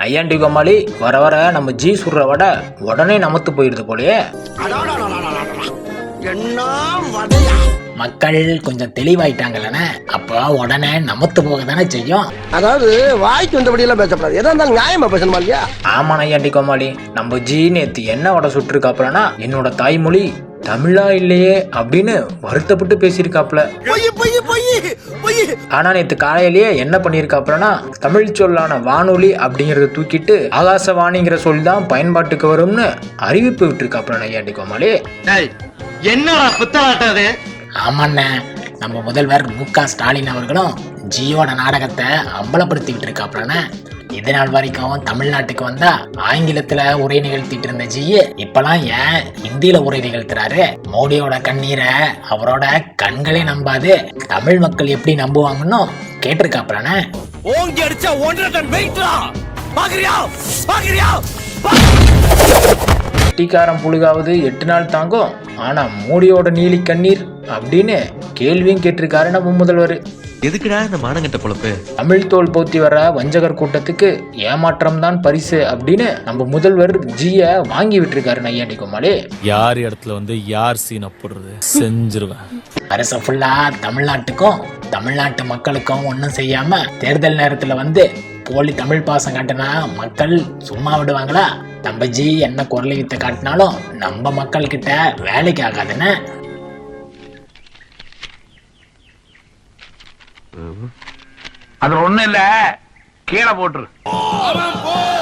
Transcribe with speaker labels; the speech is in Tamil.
Speaker 1: ஐயாண்டி கோமாளி, வர வர நம்ம ஜி சுடுற வடை உடனே நமத்து போயிடுது போலயே. மக்கள் கொஞ்சம் தெளிவாயிட்டாங்கல்லண்ணே, அப்போ உடனே நமத்து போக தானே செய்யும்.
Speaker 2: அதாவது வாய்க்கு வந்தபடி எல்லாம் பேசப்படாது, எதா இருந்தாலும் நியாயமா பேசணுமா இல்லையா?
Speaker 1: ஆமா ஐயாண்டி கோமாளி, நம்ம ஜி நேத்து என்ன வடை சுட்டுருக்காப்புலனா, என்னோட தாய்மொழி தமிழா இல்லையே அப்படின்னு வருத்தப்பட்டு பேசியிருக்காப்ல. ஆனா நேத்து காலையிலேயே என்ன பண்ணிருக்காப்லனா, தமிழ் சொல்லான வானொலி அப்படிங்கறத தூக்கிட்டு ஆகாசவாணிங்கிற சொல் தான் பயன்பாட்டுக்கு வரும்னு அறிவிப்பு விட்டுருக்காப்ல. ஐயாண்டி கோமாளி,
Speaker 3: என்னடா புத்தாட்டது?
Speaker 1: ஆமாண்ண, நம்ம முதல்வர் மு.க. ஸ்டாலின் அவர்களும் ஜியோட நாடகத்தை அம்பலப்படுத்தி விட்டுருக்காப்லண்ண. இது நாள் வரைக்கும் தமிழ்நாட்டுக்கு வந்தா ஆங்கிலத்துல உரை நிகழ்த்திட்டு இருந்த ஜி இப்பெல்லாம் ஏன் ஹிந்தியில உரை நிகழ்த்துறாரு? மோடியோட கண்ணீரை அவரோட கண்களே நம்பாது, தமிழ் மக்கள் எப்படி நம்புவாங்கன்னு கேட்டிருக்காப்லண்ண.
Speaker 4: ஓங்கி அடிச்சா 1.5 டன் வெயிட்ரா, பாக்குறியா பாக்குறியா?
Speaker 1: கட்டிக்காரம் புழுகாவது 8 நாள் தாங்கும், ஆனா மோடியோட நீலி கண்ணீர் அப்படின்னு கேள்வியும் கேட்டிருக்காரு நம்ம முதல்வர்.
Speaker 4: எதுக்குடா இந்த மானங்கட்ட பொழப்பு?
Speaker 1: தமிழ் தோல் போத்தி வர வஞ்சகர் கூட்டத்துக்கு ஏமாற்றம் தான் பரிசு அப்படின்னு நம்ம முதல்வர் ஜிய வாங்கி விட்டுருக்காரு. ஐயாண்டி கோமாளி,
Speaker 5: யார் இடத்துல வந்து யார் சீனை போடுறது செஞ்சிருவேன்.
Speaker 1: அரச ஃபுல்லா தமிழ்நாட்டுக்கும் தமிழ்நாட்டு மக்களுக்கும் ஒன்றும் செய்யாம தேர்தல் நேரத்துல வந்து போலி தமிழ் பாசம் காட்டினா மக்கள் சும்மா விடுவாங்களா? நம்ம ஜி என்ன குரலை வித்த காட்டினாலும் நம்ம மக்கள் கிட்ட வேலைக்கு ஆகாதுன்னு.
Speaker 6: அது ஒண்ணு இல்ல, கீழே போட்டுரு.